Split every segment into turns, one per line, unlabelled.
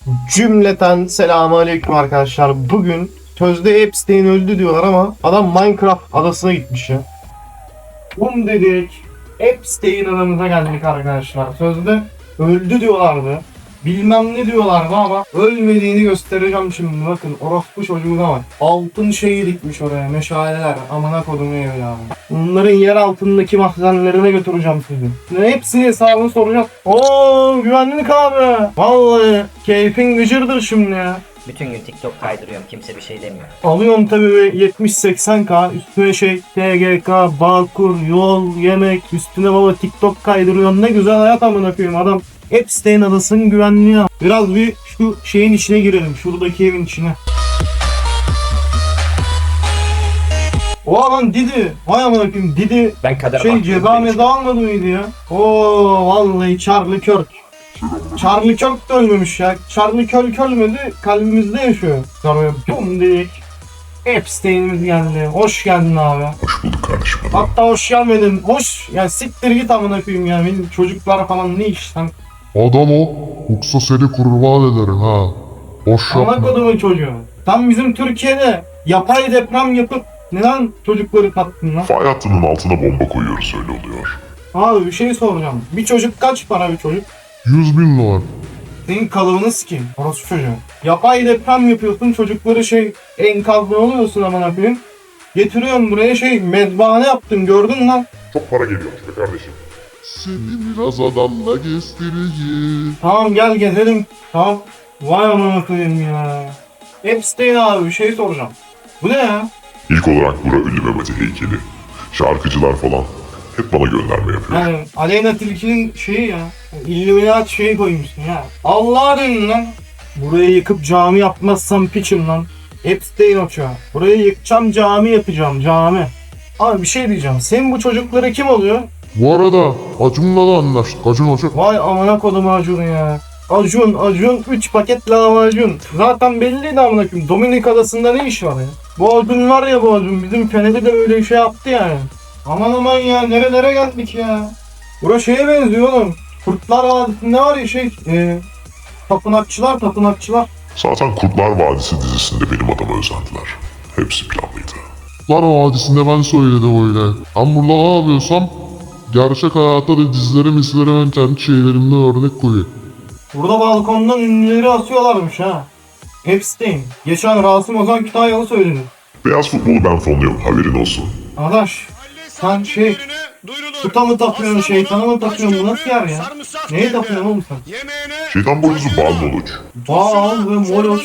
Cümleten selamünaleyküm arkadaşlar. Bugün sözde Epstein öldü diyorlar ama adam Minecraft adasına gitmiş ya. Dedik. Epstein adamıza geldik arkadaşlar. Sözde öldü diyorlardı. Bilmem ne diyorlardı ama ölmediğini göstereceğim şimdi. Bakın orospu çocuğuna bak. Altın şeyi dikmiş oraya. Meşaleler. Amına kodumu evladım. Bunların yer altındaki mahzenlerine götüreceğim sizi. Hepsini hesabını soracağım. Oo güvenlik abi. Vallahi keyfin gıcırdır şimdi ya.
Bütün gün TikTok kaydırıyorum, kimse bir şey demiyor.
Alıyorum tabii 70-80K üstüne TGK, Bağkur, yol, yemek üstüne baba TikTok kaydırıyorum. Ne güzel hayat amına koyayım adam. Epstein adasının güvenliği. Biraz bir şu şeyin içine girelim. Şuradaki evin içine. O lan Didi. Vay amına koyayım Didi.
Ben kadar
Ceza meza almadı mıydı ya? Oo vallahi Charlie Kirk. Charlie Kirk de ölmemiş ya. Charlie Kirk ölmedi. Kalbimizde yaşıyor. Sonra bum dedik. Epstein'imiz geldi. Hoş geldin abi.
Hoş bulduk kardeşim.
Hatta hoş gelmedin. Hoş. Ya siktir git amına koyayım ya. Benim çocuklar falan ne iş lan.
Adam o. Yoksa seni kurban ederim ha. Boş
Amına
yapma.
kodumun çocuğu. Tam bizim Türkiye'de yapay deprem yapıp neden çocukları kattın lan?
Fay hattının altına bomba koyuyoruz öyle oluyor.
Abi bir şey soracağım. Bir çocuk kaç para bir çocuk?
100.000 dolar.
Senin kalıbını sikeyim. Orası çocuğu. Yapay deprem yapıyorsun çocukları enkazda oluyorsun amına koyayım. Getiriyorsun buraya mezbahane yaptın gördün lan.
Çok para geliyormuş be kardeşim. Seni biraz adamla gezdireyim.
Tamam gel gezelim. Tamam. Vay amına koyayım ya. Epstein abi bir şey soracağım. Bu ne ya?
İlk olarak bura ünlü Mehmet'e heykeli. Şarkıcılar falan hep bana gönderme yapıyor.
Yani Aleyna Tilki'nin şeyi ya. İllüminat şeyi koymuşsun ya. Allah'a deyin lan. Burayı yıkıp cami yapmazsam piçim lan. Epstein uçağı. Burayı yıkacağım cami yapacağım cami. Abi bir şey diyeceğim. Senin bu çocukları kim oluyor?
Bu arada Acun'la da anlaştık. Acun Hoca.
Vay amına kodum Acun ya. Acun 3 paket lahmacun. Zaten belliydi amına koyayım. Dominik adasında ne iş var ya? Bu Acun var ya bu Acun. Bizim Fener'de de öyle şey yaptı yani. Aman aman ya nerelere geldik ya. Burası şeye benziyor oğlum. Kurtlar Vadisi'nde var ya tapınakçılar.
Zaten Kurtlar Vadisi dizisinde benim adama özendiler. Hepsi planlıydı.
Kurtlar Vadisi'nde ben söyledim öyle. Ben burada ne yapıyorsam gerçek hayatta da dizileri ben kendi şeylerimden örnek koyuyorum.
Burada balkondan ünlüleri asıyorlarmış ha. Epstein. Geçen Rasim Ozan Kütahyalı söyledi.
Beyaz futbolu ben fonluyorum haberin olsun.
Arkadaş sen tuta mı tapıyorsun şeytana mı tapıyorsun bu nasıl yer ya? Neye tapıyorsun oğlum sen?
Şeytan boynuzu bal doluç.
Bal ve moloç.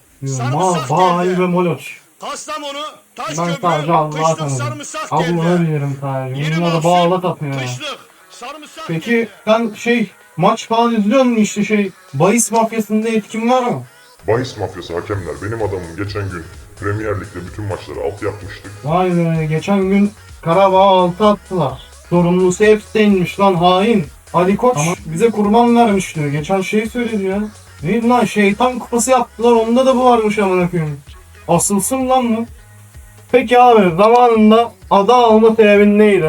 Bal ve moloç.
Kastamonu,
Ben
Taşköprü,
sadece Allah'a
kışlık
tanıdım.
sarımsak
Allah'ı
geldi.
bilirim sadece.
Yeni
Bunlar da
mahsul,
bağla tapıyor ya.
kışlık sarımsak
Peki sen maç falan izliyor musun işte bahis mafyasında etkin var mı?
Bahis mafyası hakemler benim adamım geçen gün Premier Lig'de bütün maçları alt yapmıştık.
Vay be geçen gün Karabağ 6 attılar. Sorumlusu Epstein'miş lan hain. Ali Koç bize kurban vermiş diyor. Geçen söyledi ya. Neydi lan şeytan kupası yaptılar onda da bu varmış amına koyayım. Asılsın lan bu. Peki abi zamanında ada alma sebebin neydi?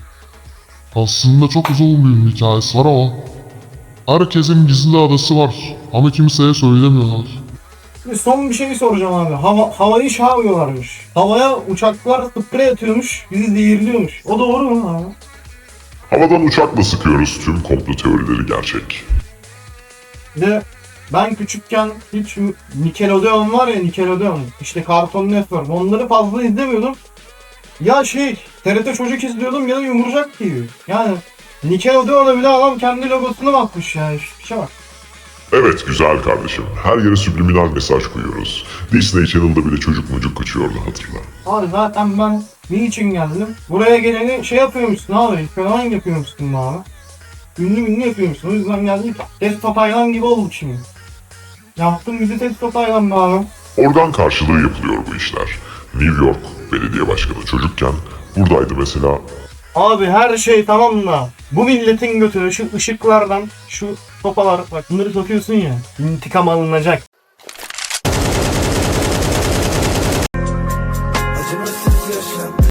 Aslında çok uzun bir hikayesi var ama herkesin gizli adası var ama kimseye söylemiyorlar.
Şimdi son bir şey soracağım abi. Havayı yapıyorlarmış. Havaya uçaklar sprey atıyormuş, bizi zehirliyormuş. O doğru mu abi?
Havadan uçakla sıkıyoruz tüm komplo teorileri gerçek.
Bir de ben küçükken hiç Nickelodeon var ya Nickelodeon. İşte Cartoon Network. Onları fazla izlemiyordum. Ya TRT Çocuk izliyordum ya da Yumurcak TV. Yani Nickelodeon'a bile adam kendi logosunu bakmış yani. Şu şey bak.
Evet güzel kardeşim. Her yere subliminal mesaj koyuyoruz. Disney Channel'da bile çocuk mucuk kaçıyordu hatırla.
Abi zaten ben niçin geldim? Buraya geleni yapıyormuşsun abi. Fenomen yapıyormuşsun abi. Ünlü yapıyormuşsun. O yüzden geldik. Testo Taylan gibi olduk şimdi. Yaptım bizi Testo Taylan be abi.
Organ karşılığı yapılıyor bu işler. New York belediye başkanı çocukken buradaydı mesela.
Abi her şey tamam da bu milletin götü şu ışıklardan şu sopalar bak bunları takıyorsun ya intikam alınacak.